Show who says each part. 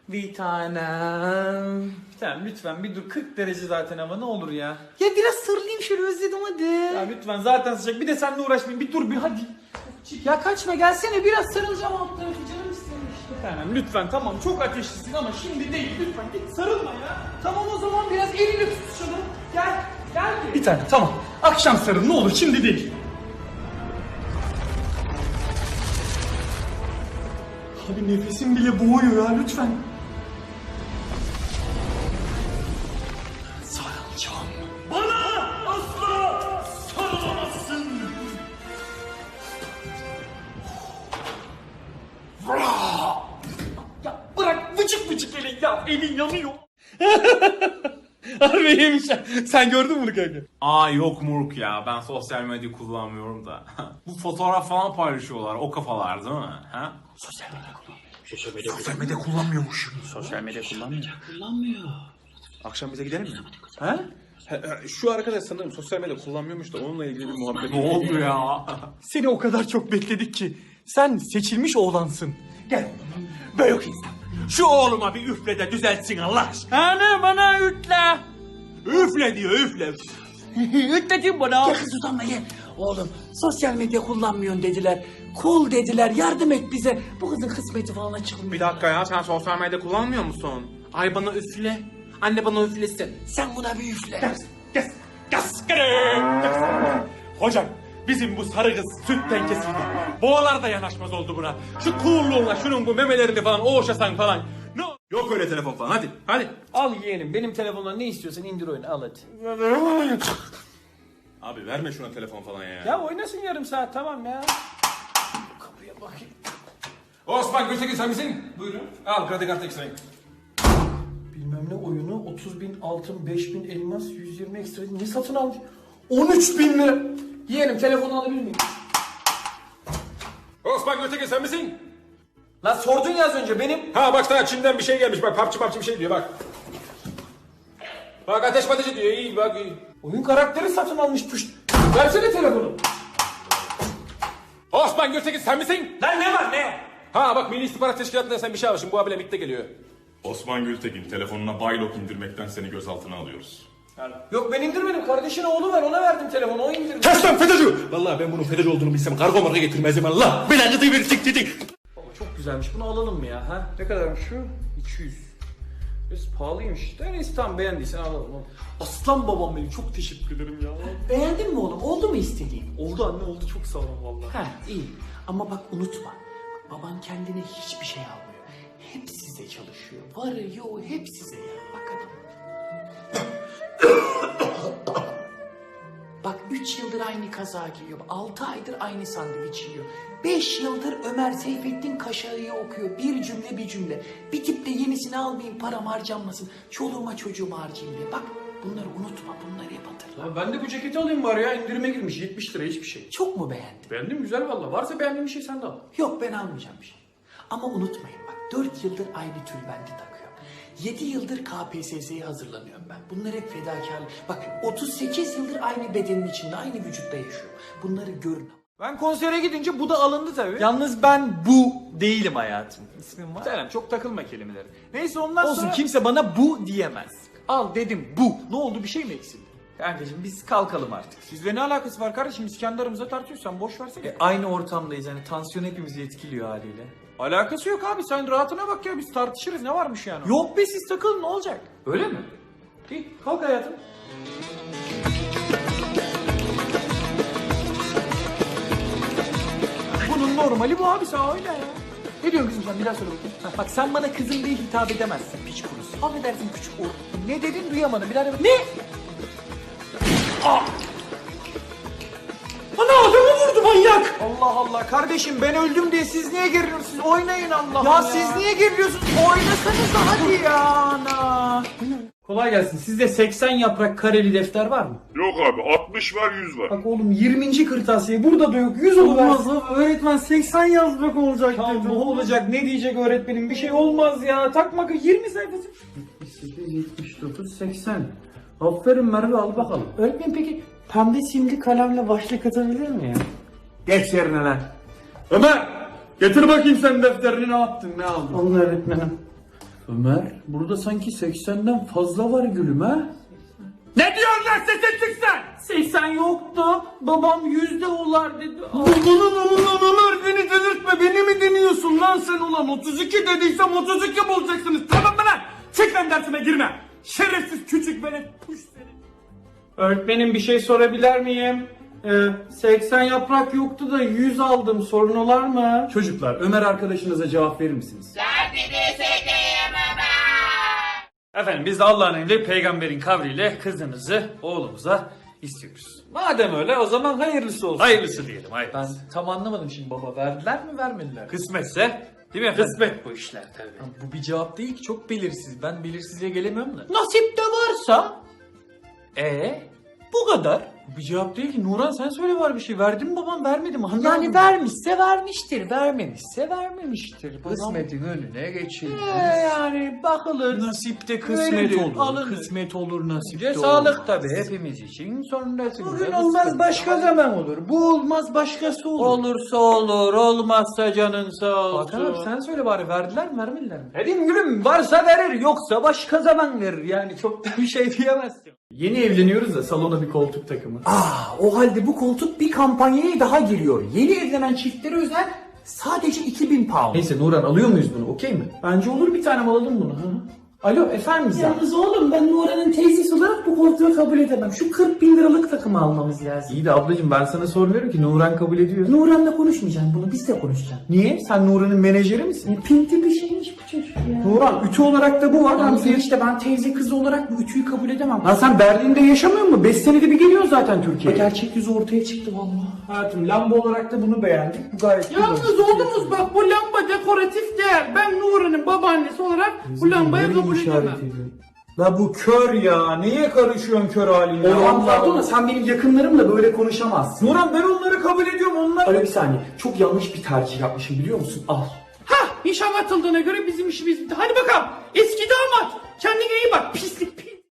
Speaker 1: Bir tanem. Bir tanem lütfen bir dur. 40 derece zaten hava, ne olur ya.
Speaker 2: Ya biraz sarılayım şöyle, özledim hadi.
Speaker 1: Ya lütfen zaten sıcak. Bir de seninle uğraşmayayım. Bir dur bir hadi.
Speaker 2: Ya kaçma, gelsene, biraz sarılacağım alt tarafı, canım istemiş.
Speaker 1: Bir tanem lütfen, tamam çok ateşlisin ama şimdi değil. Lütfen git sarılma ya.
Speaker 2: Tamam o zaman biraz elini tutuşalım. Gel, gel
Speaker 1: Bir tane tamam. Akşam sarıl ne olur, şimdi değil. Abi nefesim bile boğuyor ya, lütfen. Sarılacağım. Bana asla sarılamazsın. Ya bırak vıcık vıcık elin ya, elin yanıyor. Harbi iyiymiş ya. Sen gördün mü bunu kanka?
Speaker 3: Aa yok Murk ya, ben sosyal medya kullanmıyorum da. Bu fotoğraf falan paylaşıyorlar, o kafalar değil mi? Ha?
Speaker 1: Sosyal medya kullanmıyormuş.
Speaker 4: Sosyal medya kullanmıyor.
Speaker 5: Akşam bize gidelim mi?
Speaker 1: Ha?
Speaker 5: Şu arkadaş sanırım sosyal medya kullanmıyormuş da onunla ilgili bir muhabbet.
Speaker 3: Ne oldu ya?
Speaker 1: Seni o kadar çok bekledik ki. Sen seçilmiş oğlansın. Gel. Böyle yok insan.
Speaker 3: Şu oğluma bir üfle de düzeltsin Allah aşkına.
Speaker 1: Anne bana ütle.
Speaker 3: Üfle diyor, üfle.
Speaker 1: Ütledim bana.
Speaker 2: Gel kız utanma gel. Oğlum sosyal medya kullanmıyorsun dediler. Cool dediler, yardım et bize. Bu kızın kısmeti falan açılmıyor.
Speaker 3: Bir dakika ya, sen sosyal medya kullanmıyor musun? Ay bana üfle. Anne bana üflesin.
Speaker 2: Sen buna bir üfle.
Speaker 3: Hocam bizim bu sarı kız sütten kesildi. Boğalar da yanaşmaz oldu buna. Şu coolluğuna şunun bu memelerini falan oğuşasan falan. Ne? Yok öyle telefon falan, hadi hadi.
Speaker 1: Al yeğenim, benim telefondan ne istiyorsan indir oyunu, al hadi.
Speaker 5: Abi verme şuna telefon falan ya.
Speaker 1: Ya oynasın yarım saat, tamam ya. Kapıya bakayım.
Speaker 5: Osman Gültekin sen misin? Buyurun. Al kredi kartı ekstrayı.
Speaker 1: Bilmem ne oyunu, 30.000 altın, 5.000 elmas, 120 ekstra. Ne satın almış? 13.000 lira. Yeğenim telefonu alabilir miyim?
Speaker 5: Osman Gültekin sen misin?
Speaker 1: Lan sordun ya az önce, benim.
Speaker 5: Ha bak sana Çin'den bir şey gelmiş bak, papçı bir şey diyor bak. Bak ateş patıcı diyor, iyi bak iyi.
Speaker 1: Oyun karakteri satın almış püşt. Versene telefonu.
Speaker 5: Osman Gültekin sen misin?
Speaker 1: Lan ne var ne?
Speaker 5: Ha bak Milli İstihbarat Teşkilatı'ndan sen bir şey almışsın, bu abiyle birlikte geliyor.
Speaker 6: Osman Gültekin, telefonuna Baylok indirmekten seni gözaltına alıyoruz.
Speaker 1: Yok ben indirmedim, kardeşin oğlu var, ona verdim telefonu, o indirdi.
Speaker 5: Kes lan FETÖ'cü! Vallahi ben bunun FETÖ'cü olduğunu bilsem kargo marka getirmezdim Allah. Belanızı verecek dedik.
Speaker 1: Baba çok güzelmiş, bunu alalım mı ya? Ha? Ne kadarmış şu? 200. Biraz pahalıymış. Neyse tamam, beğendiysen alalım. Aslan babam benim, çok teşekkür ederim ya.
Speaker 2: Beğendin mi oğlum? Oldu mu istediğin?
Speaker 1: Oldu anne, oldu, çok sağ olun vallahi.
Speaker 2: Ha iyi. Ama bak unutma. Bak, baban kendine hiçbir şey almıyor. Hep size çalışıyor. Varı yoğu hep size ya. Bak adam. Bak 3 yıldır aynı kaza giyiyor. 6 aydır aynı sandviç yiyor. 5 yıldır Ömer Seyfettin Kaşağı'yı okuyor. Bir cümle bir cümle. Bir tip de yenisini almayayım, param harcanmasın. Çoluğuma çocuğuma harcayayım diye. Bak bunları unutma, bunları hep hatırla.
Speaker 1: Lan ben de bu ceketi alayım bari ya, indirime girmiş 70 lira, hiçbir şey.
Speaker 2: Çok mu beğendin?
Speaker 1: Beğendim, güzel vallahi. Varsa beğendiğin bir şey sen de al.
Speaker 2: Yok ben almayacağım bir şey. Ama unutmayın bak 4 yıldır aynı tülbenti takıyorum. 7 yıldır KPSS'ye hazırlanıyorum ben. Bunlar hep fedakarlık. Bak 38 yıldır aynı bedenin içinde, aynı vücutta yaşıyorum. Bunları görün.
Speaker 1: Ben konsere gidince bu da alındı tabii. Yalnız ben bu değilim hayatım. İsmim var. Selam, çok takılma kelimeleri. Neyse ondan sonra... Olsun, kimse bana bu diyemez. Al dedim bu. Ne oldu, bir şey mi eksildi? Kankacığım biz kalkalım artık. Sizle ne alakası var kardeşim? Biz kendi aramızda tartışıyoruz, sen boş versene. Aynı ortamdayız yani, tansiyon hepimizi etkiliyor haliyle. Alakası yok abi, sen rahatına bak ya, biz tartışırız, ne varmış yani? Yok be, siz takılın, ne olacak? Öyle mi? İyi, kalk hayatım. Bunun normali bu abi, sen öyle ya. Ne diyorsun kızım sen, bir daha söyle bakayım. Ha, bak sen bana kızım diye hitap edemezsin, piç kurusu. Affedersin küçük oğlum. Ne dedin duyamadım, bir daha de... Ne? Ana adamı vurdu manyak. Allah Allah kardeşim, ben öldüm diye siz niye geriliyorsunuz? Siz oynayın Allah ya. Siz niye geriliyorsunuz? Oynasanız da hadi ya ana. Kolay gelsin. Sizde 80 yaprak kareli defter var mı?
Speaker 6: Yok abi, 60 var 100 var.
Speaker 1: Bak oğlum 20. kırtasiye burada da yok. 100 olmaz. Öğretmen 80 yazmak olacak tamam, dedi. Ne olacak? Ne diyecek öğretmenim? Bir şey olmaz ya. Takma 20 sayfası. 78, 79, 80. Aferin Merve, al bakalım. Öğretmen peki pembe simli kalemle başlık atabilir mi ya? Geç yerine lan. Ömer! Getir bakayım sen defterini, ne yaptın, ne aldın? Alın öğretmenim. Ömer, burada sanki 80'den fazla var gülüm ha?
Speaker 3: Ne diyorsun lan sesin çıksın?
Speaker 1: 80 yoktu. Babam 100 de olar dedi.
Speaker 3: Ulan Ömer beni delirtme, beni mi deniyorsun lan sen ulan? 32 dediysem 32 bulacaksınız, tamam mı lan? Çık lan dersime girme. Şerefsiz küçük velet puş seni.
Speaker 1: Öğretmenim bir şey sorabilir miyim? 80 yaprak yoktu da 100 aldım. Sorun olar mı? Çocuklar, Ömer arkadaşınıza cevap verir misiniz? Efendim biz de Allah'ın emri peygamberin kavliyle kızınızı oğlumuza istiyoruz. Madem öyle o zaman hayırlısı olsun. Hayırlısı diyelim hayırlısı. Ben tam anlamadım şimdi baba. Verdiler mi vermediler? Kısmetse değil mi efendim? Kısmet bu işler tabii. Bu bir cevap değil ki, çok belirsiz. Ben belirsizliğe gelemiyorum da. Nasip de varsa bu kadar. Bu bir cevap değil ki. Nuran sen söyle, var bir şey. Verdi mi babam, vermedi mi? Yani vermişse vermiştir, vermemişse vermemiştir. Kısmetin önüne geçilir. Yani bakılır. Nasipte kısmet olur. Alınır. Kısmet olur, nasipte olur. Sağlık tabii hepimiz için. Sonrasında bugün olmaz, başka zaman olur. Bu olmaz, başkası olur. Olursa olur, olmazsa canın sağ olsun. Hakan abi sen söyle bari, verdiler mi vermediler mi? Dedim gülüm, varsa verir, yoksa başka zaman verir. Yani çok da bir şey diyemezsin. Yeni evleniyoruz da salona bir koltuk takımı.
Speaker 2: O halde bu koltuk bir kampanyaya daha giriyor. Yeni evlenen çiftlere özel sadece 2000 pound.
Speaker 1: Neyse Nuran, alıyor muyuz bunu, okey mi? Bence olur, bir tane alalım bunu. Hı. Alo efendim sen?
Speaker 2: Yalnız oğlum ben Nuran'ın teyzesi olarak bu koltuğu kabul edemem. Şu 40 bin liralık takımı almamız lazım.
Speaker 1: İyi de ablacığım, ben sana sormuyorum ki, Nuran kabul ediyor.
Speaker 2: Nuran'la konuşmayacağım bunu, biz de konuşacağız.
Speaker 1: Niye? Sen Nuran'ın menajeri misin?
Speaker 2: Pinti bir şeymiş bu çocuk ya.
Speaker 1: Nuran, ütü olarak da bu var.
Speaker 2: Yalnız işte ben teyze kızı olarak bu ütüyü kabul edemem.
Speaker 1: Lan sen Berlin'de yaşamıyor musun? 5 senede bir geliyorsun zaten Türkiye'ye.
Speaker 2: Gerçek yüzü ortaya çıktı vallahi.
Speaker 1: Hayatım, lamba olarak da bunu beğendik. Bu gayet güzel.
Speaker 2: Yalnız oğlumuz bak, bu lamba dekoratif değer. Ben Nuran'ın babaannesi olarak bu lambayı kabul edemem.
Speaker 1: La bu kör ya. Niye karışıyorsun kör haline?
Speaker 2: Oğlum pardon da sen benim yakınlarımla böyle konuşamazsın.
Speaker 1: Nuran, ben onları kabul ediyorum. Onlar...
Speaker 2: Alo bir saniye. Çok yanlış bir tercih yapmışım biliyor musun? Al. Hah, nişan atıldığına göre bizim işimiz bitti. Hadi bakalım. Eski damat. Kendine iyi bak. Pislik pis.